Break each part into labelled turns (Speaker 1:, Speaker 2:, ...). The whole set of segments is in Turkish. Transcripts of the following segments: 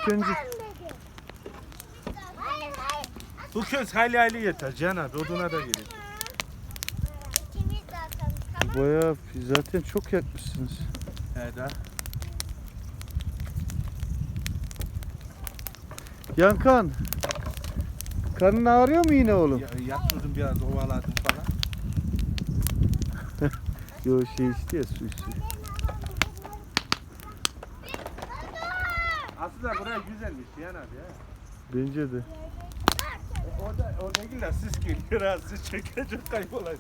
Speaker 1: İlk önce
Speaker 2: Bu köz hayli hayli yeter Cihan abi. Oduna da gelir.
Speaker 1: bayağı zaten çok yakmışsınız.
Speaker 2: Evet.
Speaker 1: Yankan. Karnın ağrıyor mu yine oğlum?
Speaker 2: Yaptırdım biraz, ovaladım falan.
Speaker 1: Yo içti ya, su içti.
Speaker 2: Aslında buraya güzelmiş Cihan abi ya.
Speaker 1: Bence de.
Speaker 2: Orada gül siz geliyor ha, siz çekecek kaybolar.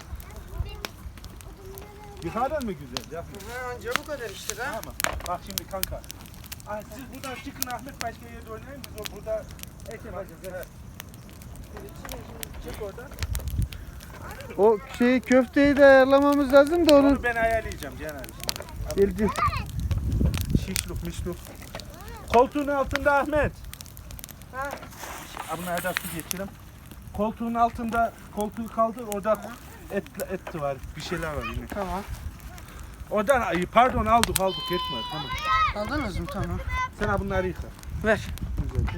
Speaker 2: Yukarıdan mı güzel? Yapma.
Speaker 3: Anca bu kadar işte da.
Speaker 2: Tamam. Bak şimdi kanka. Siz buradan çıkın, Ahmet başka yerde oynayın, biz burada ek yapacağız. Evet. Çık oradan.
Speaker 1: O köfteyi de ayarlamamız lazım da
Speaker 2: Onu ben ayarlayacağım Cihan abi.
Speaker 1: Geldi.
Speaker 2: Şişluk mişluk. Koltuğun altında Ahmet.
Speaker 3: Ha.
Speaker 2: Bunlara da su geçirelim. Koltuğun altında, koltuğu kaldır, orada et var, bir şeyler var yine.
Speaker 3: Tamam.
Speaker 2: Oradan, pardon aldık yetme, tamam.
Speaker 3: Aldınız mı? Tamam.
Speaker 2: Sen bunları yıka.
Speaker 3: Ver.
Speaker 2: Güzelce.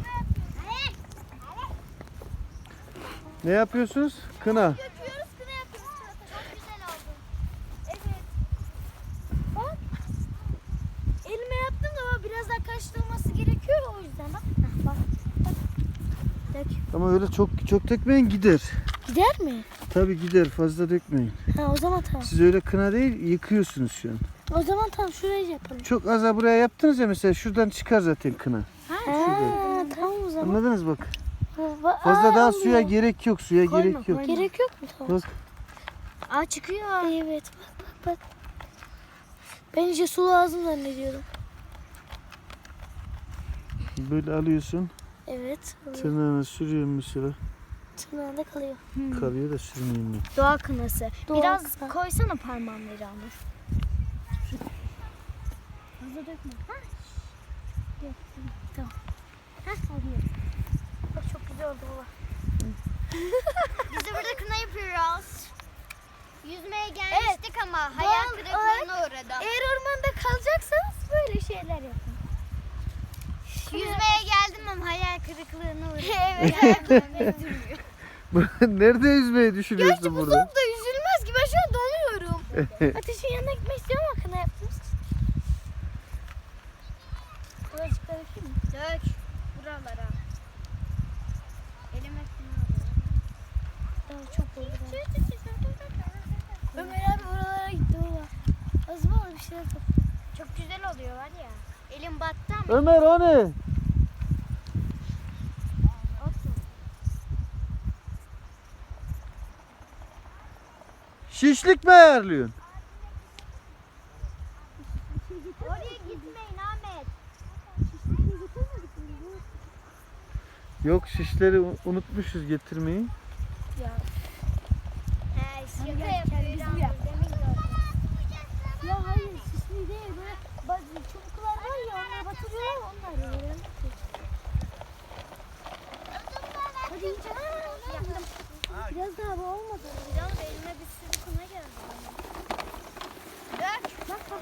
Speaker 1: Ne yapıyorsunuz? Kına.
Speaker 4: Döküyoruz, kına yapıyoruz. Çok güzel oldu. Evet. Bak. Elime yaptım ama biraz daha karıştırılması gerekiyor o yüzden bak. Bak. Dök.
Speaker 1: Ama öyle çok dökmeyin, gider.
Speaker 4: Gider mi?
Speaker 1: Tabii gider, fazla dökmeyin.
Speaker 4: Ha o zaman tamam.
Speaker 1: Siz öyle kına değil, yıkıyorsunuz şu an.
Speaker 4: O zaman tamam şurayı yapalım.
Speaker 1: Çok az buraya yaptınız ya, mesela şuradan çıkar zaten kına.
Speaker 4: Ha tamam o zaman.
Speaker 1: Anladınız bak.
Speaker 4: Aa,
Speaker 1: Fazla daha
Speaker 4: olmuyor.
Speaker 1: suya gerek yok, gerek yok.
Speaker 4: Gerek yok mu? Tamam.
Speaker 1: Bak.
Speaker 4: Aa çıkıyor. Evet bak. Ben iyice su lazım zannediyorum.
Speaker 1: Böyle alıyorsun,
Speaker 4: Evet.
Speaker 1: tırnağına sürüyorsun mesela.
Speaker 4: Tırnağında kalıyor.
Speaker 1: Kalıyor da sürmeyeyim ben.
Speaker 4: Doğa kınası.
Speaker 5: Doğa
Speaker 4: Biraz
Speaker 5: kına.
Speaker 4: koysana parmağımları almış. Fazla dökme. Ha? Tamam. Ha? Bak çok güzel oldu baba.
Speaker 5: Biz de burada kına yapıyoruz. Yüzmeye gelmiştik ama hayal kırıklığına uğradım.
Speaker 4: Eğer ormanda kalacaksanız böyle şeyler yapın.
Speaker 5: Yüzmeye geldim ama hayal kırıklığına uğradım. Evet. Ayaklarım üzülmüyor.
Speaker 1: Nerede yüzmeyi düşünüyorsun
Speaker 4: Gerçi bu
Speaker 1: burada?
Speaker 4: soğukta yüzülmez ki ben şu an donuyorum. Ateşin yanına gitmek istiyorum ama kına yaptığımız için. Birazcık daha dökeyim mi?
Speaker 5: Dök buralara. Elime kına alıyor.
Speaker 4: Daha çok oldu. Ömer abi oralara gitti baba. Az mı bir şeyler topla.
Speaker 5: Çok güzel oluyor var ya. Elim battı ama.
Speaker 1: Ömer o ne? Şişlik mi ayarlıyorsun?
Speaker 5: Oraya gitmeyin Ahmet.
Speaker 1: Yok, şişleri unutmuşuz getirmeyi.
Speaker 5: Şaka
Speaker 4: gel,
Speaker 5: yapıyor.
Speaker 4: bizim yap.
Speaker 5: Demin gördüm.
Speaker 4: Ya hayır sisli değil böyle bazı çubuklar var ya onları batırıyorlar onlar yiyor. Hadi iyice.
Speaker 5: Yaptım.
Speaker 4: Biraz daha bu olmadı.
Speaker 5: Canım elime bir sürü kına geldi. Dök.
Speaker 4: Bak.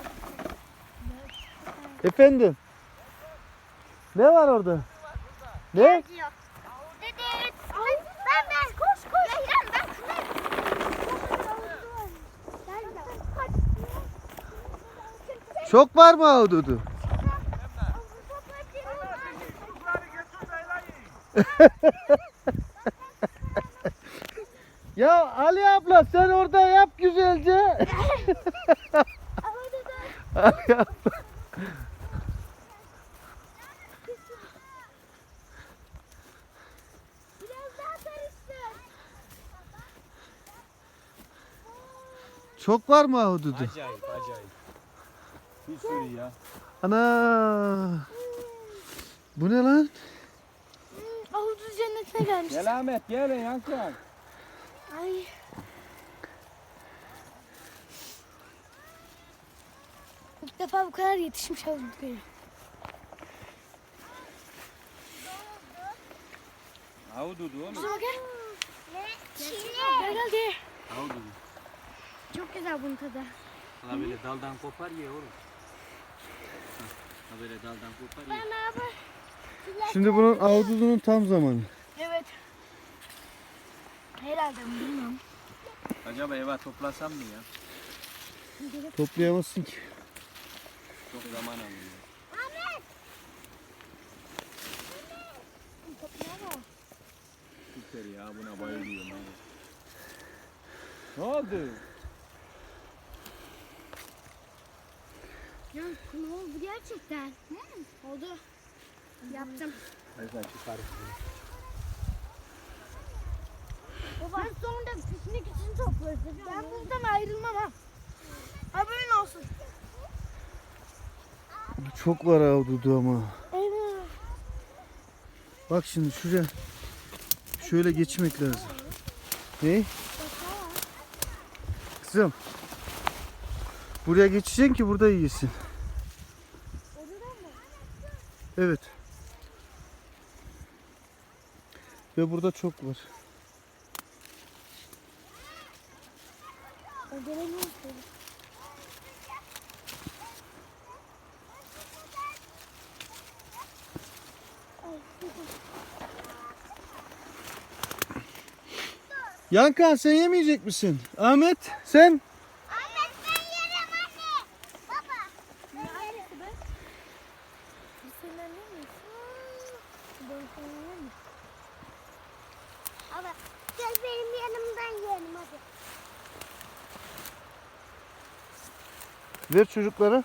Speaker 1: Efendim? Ne var orada? Ne?
Speaker 5: Diyor. Dede. Ben koş. Ya İrem ben kına
Speaker 1: Çok var mı ahududu? Ya Ali abla sen orada yap güzelce. Ali abla.
Speaker 4: Biraz daha karıştır.
Speaker 1: Çok var mı ahududu?
Speaker 2: Acayip. Bir sürü ya.
Speaker 1: Ana. Bu ne lan?
Speaker 4: Ahududu cennetine gelmiş.
Speaker 2: Gel Ahmet, gel Yankı.
Speaker 4: Ay. İlk defa bu kadar yetişmiş ahududu görüyorum.
Speaker 2: Ahududu oğlum.
Speaker 4: Şuna gel. Gel.
Speaker 2: Ahududu.
Speaker 4: Çok güzel bunun tadı.
Speaker 6: Ha böyle daldan kopar ye oğlum. Ha böyle daldan kopar ye.
Speaker 4: Ben abi
Speaker 1: Şimdi bunun avudunun tam zamanı.
Speaker 4: Evet. Herhalde bilmiyorum.
Speaker 6: Acaba eve toplasam mı ya?
Speaker 1: Toplayamazsın ki.
Speaker 6: Çok zaman alıyor. Süper ya, buna bayılıyorum. abi. Ne oldu?
Speaker 4: Ya ne oldu gerçekten? Oldu. Yaptım.
Speaker 6: Hadi çıkarız.
Speaker 4: Baba. Ben sonunda piknik için toplarız. Ben buradan ayrılmam ha. Haberin olsun.
Speaker 1: Çok var avududu ama.
Speaker 4: Evet.
Speaker 1: Bak şimdi şuraya. Şöyle geçmek lazım. Ne? Kızım. Buraya geçeceksin ki burada yiyesin. Evet. Ve burada çok var. Yankan sen yemeyecek misin? Ahmet sen?
Speaker 5: Ahmet ben yerim anne. Baba. Baba gel benim yanımdan yiyelim hadi.
Speaker 1: Ver çocuklara.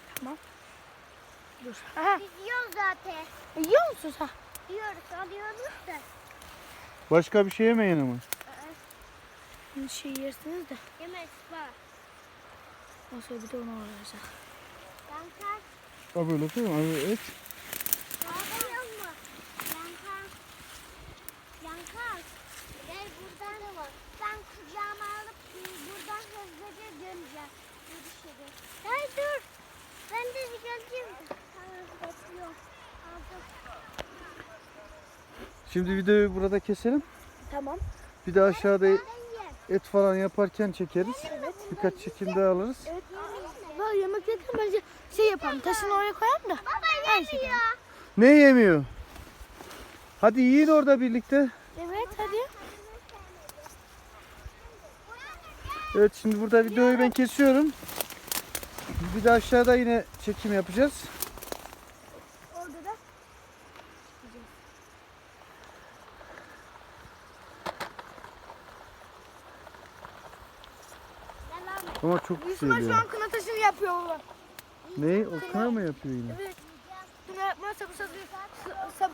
Speaker 4: Aha.
Speaker 5: Biz yiyoruz zaten.
Speaker 4: Yiyor musun sen?
Speaker 5: Yiyoruz alıyoruz da.
Speaker 1: Başka bir şey yemeyin ama.
Speaker 4: Bir şey yersiniz de.
Speaker 5: Yemez var.
Speaker 4: Nasıl bir de onu alacak.
Speaker 5: Yankar.
Speaker 1: Ha böyle değil mi? Evet.
Speaker 5: Ağlıyor mu? Yankar. Yankar. Gel buradan da var. Ben kucağıma alıp buradan hızlıca döneceğim. Görüşürüz. Gel dur. Ben de geleceğim. Tamam bekliyorum. Aldım.
Speaker 1: Şimdi videoyu burada keselim.
Speaker 4: Tamam.
Speaker 1: Bir de aşağıda
Speaker 5: Ben yerim.
Speaker 1: et falan yaparken çekeriz. Birkaç çekim daha alırız.
Speaker 4: Evet. Böyle yemek yerken bence şey yapalım. Taşını oraya koyalım da.
Speaker 5: Baba yemiyor.
Speaker 1: Ne yemiyor? Hadi yiyin orada birlikte.
Speaker 4: Evet hadi.
Speaker 1: Evet şimdi burada videoyu ben kesiyorum. Bir de aşağıda yine çekim yapacağız.
Speaker 4: Orada da.
Speaker 1: Ama çok
Speaker 4: Yusuf'a
Speaker 1: güzel
Speaker 4: şu
Speaker 1: ya.
Speaker 4: an kına taşını yapıyor baba.
Speaker 1: Ne? O kına mı yapıyor yine?
Speaker 4: Evet. Kına yapmazsa bu sefer